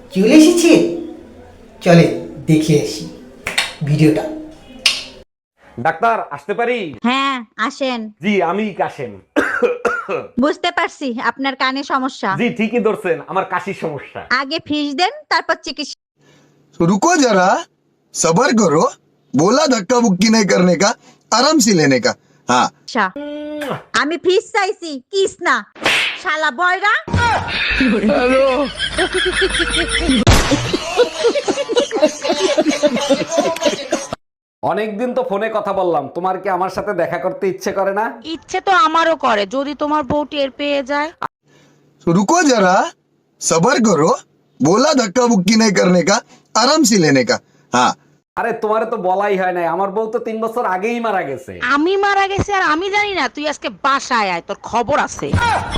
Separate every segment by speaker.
Speaker 1: চলে এসেছে, চলে দেখে আসি ভিডিওটা।
Speaker 2: ডাক্তার আসতে পারি?
Speaker 3: হ্যাঁ আসেন।
Speaker 2: জি আমি কাশেম।
Speaker 3: বুঝতে পারছি আপনার কানে সমস্যা।
Speaker 2: জি ঠিকই ধরছেন, আমার কাশির সমস্যা।
Speaker 3: আগে ফিস দেন তারপর চিকিৎসা।
Speaker 4: तो रुको जरा, सबर करो। बोला धक्का बुक्की नहीं करने का, आराम से लेने का। हाँ
Speaker 3: আমি ফিস চাইছি কিস না, শালা বয়রা।
Speaker 2: অনেকদিন তো ফোনে কথা বললাম, তোমার কি আমার সাথে দেখা করতে ইচ্ছে করে না?
Speaker 5: ইচ্ছে তো আমারও করে, যদি তোমার বউ টের পেয়ে যায়।
Speaker 4: तो रुको जरा, सबर करो। बोला धक्का बुक्की नहीं करने का, आराम से लेने का। हाँ
Speaker 2: আরে তোমারে তো বলাই হয় নাই, আমার বউ তো 3 বছর আগেই মারা গেছে।
Speaker 5: আমি মারা গেছি আর আমি জানি না? তুই আজকে বাসায় আয়, তোর খবর আছে।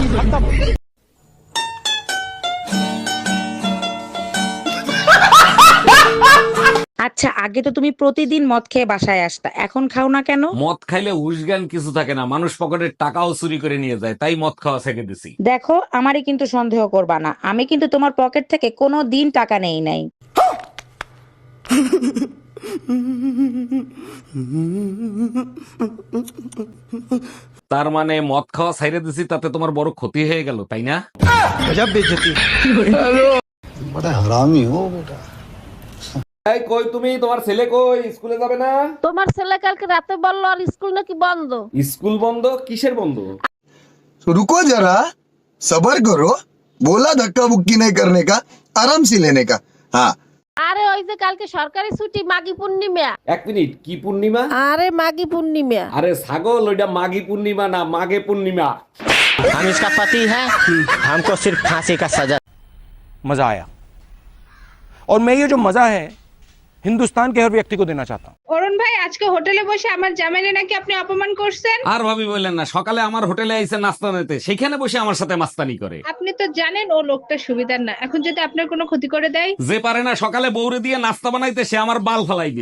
Speaker 5: আচ্ছা, আগে তো তুমি প্রতিদিন মদ খেয়ে বাসায় আসতা, এখন খাও না কেন?
Speaker 2: মদ খাইলে হুশজ্ঞান কিছু থাকে না, মানুষ পকেটের টাকাও চুরি করে নিয়ে যায়, তাই মদ খাওয়া ছেড়ে দিছি।
Speaker 5: দেখো, আমারই কিন্তু সন্দেহ করবা না, আমি কিন্তু তোমার পকেট থেকে কোনো দিন টাকা নেই নাই।
Speaker 2: তার মানে মদ খাওয়া ছাইড়ে দিছি, তাতে তোমার বড় ক্ষতি হয়ে গেল, তাই না?
Speaker 4: बड़ा हरामी हो बेटा।
Speaker 2: এই কই তুমি, তোমার ছেলে কই? স্কুলে যাবে না?
Speaker 6: তোমার ছেলে কালকে রাতে বললো আর স্কুল নাকি বন্ধ।
Speaker 2: স্কুল বন্ধ? কিসের বন্ধ?
Speaker 4: तो रुको जरा, सबर करो। बोला धक्का बुक्की नहीं करने का, आराम से लेने का। हाँ
Speaker 6: আরে ওই যে কালকে সরকারি ছুটি, মাঘী পূর্ণিমা।
Speaker 2: এক মিনিট, কি পূর্ণিমা?
Speaker 6: আরে মাঘী পূর্ণিমা।
Speaker 2: আরে ছাগল, ওইটা মাঘী পূর্ণিমা না, মাঘে পূর্ণিমা।
Speaker 7: हम इसका पति है, हमको सिर्फ फांसी का सजा।
Speaker 8: मजा आया, और मैं ये जो मजा है हिंदुस्तान के हर व्यक्ति को देना चाहता हूँ।
Speaker 9: অরুণ ভাই, আজকে হোটেলে বসে আমার জামাইনে নাকি আপনি অপমান করছেন।
Speaker 2: আর ভাবি বললেন না, সকালে আমার হোটেলে আইসে নাস্তা নিতে, সেখানে বসে আমার সাথে মাস্তানি করে।
Speaker 9: আপনি তো জানেন ও লোকটা সুবিধার না, এখন যদি আপনার কোনো ক্ষতি করে দেয়।
Speaker 2: যে পারে না সকালে বউরে দিয়ে নাস্তা বানাইতে, সে আমার বাল ফালাইবে।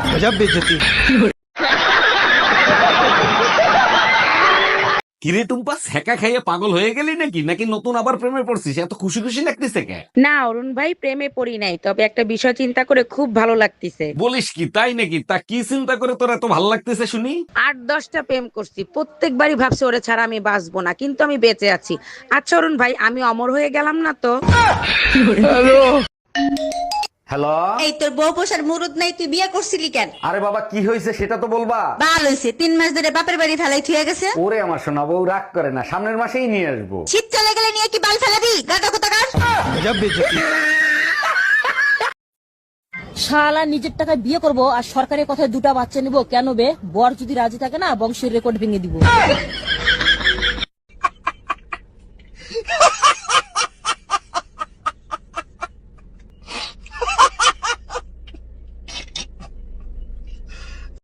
Speaker 2: কিরে টুম্পা, ছ্যাঁকা খাইয়ে পাগল হয়ে গেলি নাকি? নাকি নতুন আবার প্রেমে পড়ছিস? এত খুশি খুশি লাগতেছে কে?
Speaker 5: না অরুণ ভাই, প্রেমে পড়ি নাই, তবে একটা বিষয় চিন্তা করে খুব ভালো লাগতেছে।
Speaker 2: বলিস কি, তাই নাকি? তা কি চিন্তা করে তোর এত ভালো লাগতেছে শুনি?
Speaker 5: 8-10টা প্রেম করছি, প্রত্যেকবারই ভাবছি ওরে ছাড়া আমি বাঁচবো না, কিন্তু আমি বেঁচে আছি। আচ্ছা অরুণ ভাই, আমি অমর হয়ে গেলাম না তো?
Speaker 2: হ্যালো।
Speaker 3: এই তোর বউ পোষার মুরুদ নাই, তুই বিয়ে করছিলি কেন?
Speaker 2: আরে বাবা, কি হয়েছে সেটা তো বলবা।
Speaker 3: বাল হইছে, 3 মাস ধরে বাপের বাড়ি ফেলাই থুয়ে গেছে।
Speaker 2: ওরে আমার সোনা বউ, রাগ করে না, সামনের মাসেই নিয়ে আসবো।
Speaker 3: শীত চলে গেলে নিয়ে কি বাল ফেলাবি? গাদা কোথাকার।
Speaker 6: শালা নিজের টাকায় বিয়ে করব আর সরকারের কথায় 2টা বাচ্চা নিব, কেন বে? বর যদি রাজি থাকে না, বংশের রেকর্ড ভেঙে দিব।